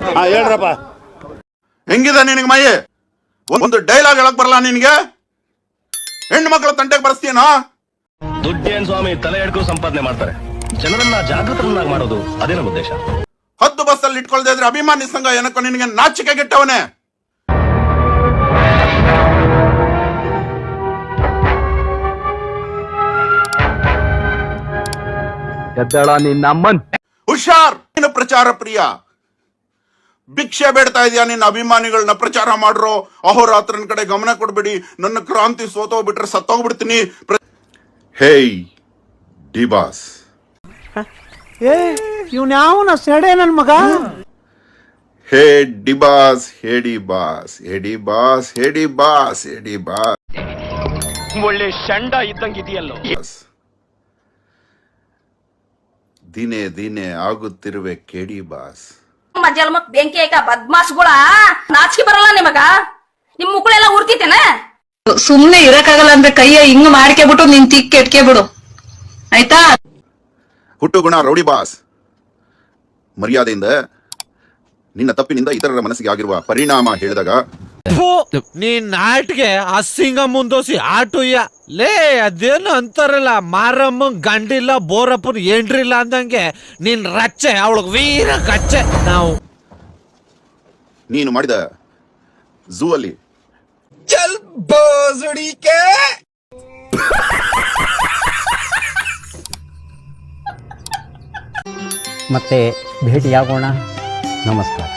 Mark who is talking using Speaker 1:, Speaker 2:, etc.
Speaker 1: ಹೇಳ್ರಪ್ಪ.
Speaker 2: ಹೆಂಗಿದೆ ನಿನಗೆ ಮೈ? ಒಂದು ಡೈಲಾಗ್ ಹೇಳಕ್ ಬರಲ್ಲ ನಿನಗೆ? ಹೆಣ್ಣು ಮಕ್ಕಳ ತಂಟೆಗೆ ಬರ್ಸ್ತೀನೋ?
Speaker 3: ದುಡ್ಡೇನ್ ಸ್ವಾಮಿ ತಲೆ ಎಡ್ಕೋ ಸಂಪಾದನೆ ಮಾಡ್ತಾರೆ. ಜನರನ್ನ ಜಾಗೃತರನ್ನಾಗಿ ಮಾಡೋದು ಅದೇ ನಮ್ಮ ಉದ್ದೇಶ.
Speaker 2: 10 ಬಸ್ಸಲ್ಲಿ ಇಟ್ಕೊಳ್ತಾ ಇದ್ರೆ ಅಭಿಮಾನಿ ಸಂಘ ಏನಕ್ಕೋ ನಿನಗೆ ನಾಚಿಕೆ ಗೆಟ್ಟವನೇ. ಹುಷಾರ್, ನೀನು ಪ್ರಚಾರ ಪ್ರಿಯ. ಭಿಕ್ಷೆ ಬೇಡ್ತಾ ಇದೆಯಾ ನಿನ್ನ ಅಭಿಮಾನಿಗಳನ್ನ ಪ್ರಚಾರ ಮಾಡ್ರೋ. ಅಹೋರಾತ್ರನ ಕಡೆ ಗಮನ ಕೊಡ್ಬೇಡಿ, ನನ್ನ ಕ್ರಾಂತಿ ಸೋತೋಗ್ಬಿಟ್ರೆ ಸತ್ತೋಗ್ಬಿಡ್ತೀನಿ. ಹೇಯ್ ಡಿ ಬಾಸ್.
Speaker 1: ಇವ್ನ ಯಾವನ ಸೆಡೆ ನನ್ ಮಗ?
Speaker 2: Hey D boss, hey D boss, hey D boss, hey D boss, hey D boss.
Speaker 3: ಒಳ್ಳೆ ಶಂಡ ಇದ್ದಂಗಿದೆಯಲ್ಲೋ.
Speaker 2: ದಿನೇ ದಿನೇ ಆಗುತ್ತಿರುವೆ ಕೇಡಿ ಬಾಸ್.
Speaker 4: ಜನ್ಮಕ್ ಬೆಂಕಿ ಆಯ್ಕ ಬದ್ಮಾಸ್ಗಳ ನಾಚಿಕೆ ಬರಲ್ಲ ನಿಮಗ? ನಿಮ್ ಮುಕ್ಕಳೆಲ್ಲ ಉರ್ತಿತೇನ?
Speaker 5: ಸುಮ್ನೆ ಇರಕ್ಕಾಗಲ್ಲ ಅಂದ್ರೆ ಕೈಯ ಹಿಂಗ್ ಮಾಡ್ಕೆಬಿಟ್ಟು ನಿನ್ ತಿಕ್ ಕೆಟ್ಕೆ ಬಿಡು ಆಯ್ತಾ?
Speaker 2: ಹುಟ್ಟು ಗುಣ ರೌಡಿ ಬಾಸ್. ಮರ್ಯಾದೆಯಿಂದ ನಿನ್ನ ತಪ್ಪಿನಿಂದ ಇತರರ ಮನಸ್ಸಿಗೆ ಆಗಿರುವ ಪರಿಣಾಮ ಹೇಳಿದಾಗ
Speaker 6: ನೀನ್ ನಾಟ್ಗೆ ಅಸಿಂಗ ಮುಂದೋಸಿ ಆಟುಯ್ಯ ಲೇ. ಅದೇನು ಅಂತಾರಲ್ಲ, ಮಾರಮ್ಮ ಗಂಡಿಲ್ಲ ಬೋರಪ್ಪನ ಏನ್ರಿಲ್ಲ ಅಂದಂಗೆ ನೀನ್ ರಚ್ಚೆ ಅವಳಗ್ ವೀರ ಕಚ್ಚೆ. ನಾವು
Speaker 2: ನೀನು ಮಾಡಿದ ಝೂ ಅಲ್ಲಿ
Speaker 1: ಮತ್ತೆ ಭೇಟಿಯಾಗೋಣ. ನಮಸ್ಕಾರ.